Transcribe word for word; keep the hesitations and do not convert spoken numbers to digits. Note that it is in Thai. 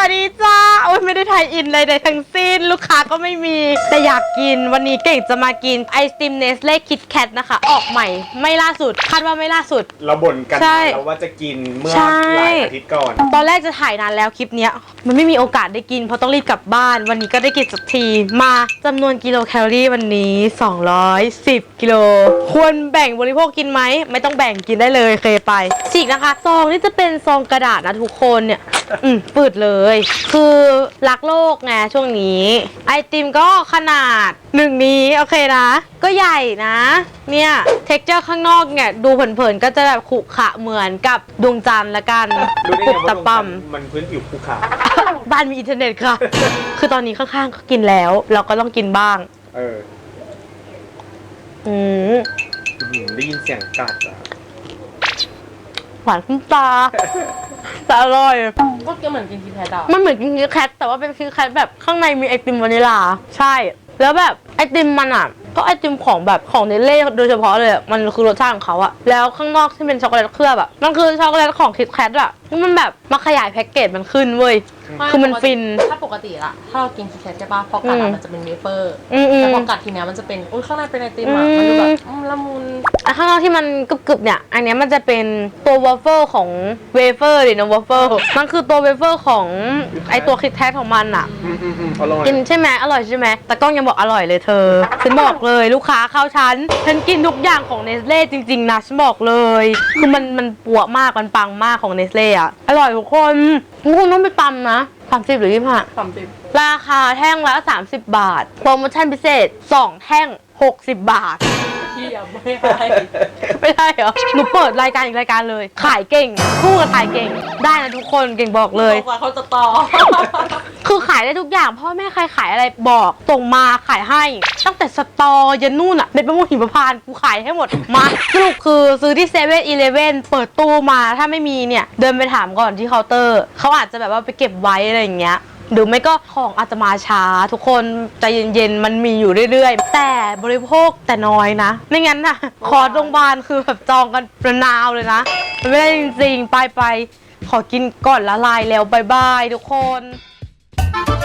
วัสดีจ้าโอ้ยไม่ได้ไทยอินเลยใดทั้งสิ้นลูกค้าก็ไม่มีแต่อยากกินวันนี้เก่งจะมากินไอศกรีมเนสเล่คิดแคทนะคะออกใหม่ไม่ล่าสุดคาดว่าไม่ล่าสุดเราบ่นกันแล้วว่าจะกินเมื่อหลายอาทิตย์ก่อนตอนแรกจะถ่ายนานแล้วคลิปเนี้ยมันไม่มีโอกาสได้กินเพราะต้องรีบกลับบ้านวันนี้ก็ได้กินสักทีมาจำนวนกิโลแคลอรี่วันนี้สองร้อยสิบกิโลควรแบ่งบริโภคกินไหมไม่ต้องแบ่งกินได้เลยเคยไปฉีกนะคะซองนี่จะเป็นซองกระดาษนะทุกคนเนี่ยอืมปืดเลยคือรักโลกไงช่วงนี้ไอติมก็ขนาดหนึ่งนี้โอเคนะก็ใหญ่นะเนี่ยเท็กเจอร์ข้างนอกเนี่ยดูเผินๆก็จะแบบขรุขระเหมือนกับดวงจันทร์ละกันปุบตะปั๊มมันพื้นผิวภูเขาบ้านมีอินเทอร์เน็ตค่ะ คือตอนนี้ข้างๆก็กินแล้วเราก็ต้องกินบ้างเอออืมได้ยินเสียงกัดอ่ะหวานขึ้นตาแต่อร่อยก็เหมือนกินคิดแคทอ่ะมันเหมือนกินคิดแคทแต่ว่าเป็นคิดแคทแบบข้างในมีไอติมวานิลาใช่แล้วแบบไอติมมันอ่ะก็ไอติมของแบบของเนเล่โดยเฉพาะเลยมันคือรสชาติของเขาอะแล้วข้างนอกที่เป็นช็อกโกแลตเคลือบอะมันคือช็อกโกแลตของคิดแคทอะที่มันแบบมาขยายแพ็กเกจมันขึ้นเว้ยคือมันฟินถ้าปกติละถ้าเรากินคิดแคทใช่ป่ะพอกัดมันจะเป็นเวเฟอร์แต่พอกัดทีเนี้ยมันจะเป็นอุ้ยข้างในเป็นไอติมอะมันดูแบบละมุนข้างนอกที่มันกรึบๆเนี่ยอันนี้มันจะเป็นตัววอฟเฟิลของเวเฟอร์หรือนะวอฟเฟิลมันคือตัวเวเฟอร์ของไอตัวคิดแคทของมันอะกินใช่ไหมอร่อยใช่ไหมแต่กล้องยังบอกอร่อยเลยเธอฉันบอกเลยลูกค้าเข้าฉันฉันกินทุกอย่างของเนสเล่จริงๆนะฉันบอกเลยคือมันมันปัวมากมันปังมากของเนสเล่อะอร่อยทุกคนทุกคนต้องไปตำนะสามสิบหรือยี่สิบห้าสามสิบราคาแท่งละสามสิบบาทโปรโมชั่นพิเศษสองแท่งหกสิบบาทเยี่ยมไม่ได้ไม่ได้เหรอหนูเปิดรายการอีกรายการเลยขายเก่งคู่กับขายเก่งได้นะทุกคนเก่งบอกเลยเขาจะต่อคือขายได้ทุกอย่างพ่อแม่ใครขายอะไรบอกส่งมาขายให้ตั้งแต่สตอยันนู่นอะเม็ดมะม่วงหิมพานต์กูขายให้หมดมาสรุปคือซื้อที่เซเว่นอีเลฟเว่นเปิดตู้มาถ้าไม่มีเนี่ยเดินไปถามก่อนที่เคาน์เตอร์เขาอาจจะแบบว่าไปเก็บไว้อะไรอย่างเงี้ยหรือไม่ก็ของอาจจะมาช้าทุกคนใจเย็นๆมันมีอยู่เรื่อยๆแต่บริโภคแต่น้อยนะไม่งั้นน่ะคอร์สโรงพยาบาลคือแบบจองกันระนาวเลยนะไม่ได้จริงๆไปไปขอกินก่อนละลายแล้วบายบายทุกคน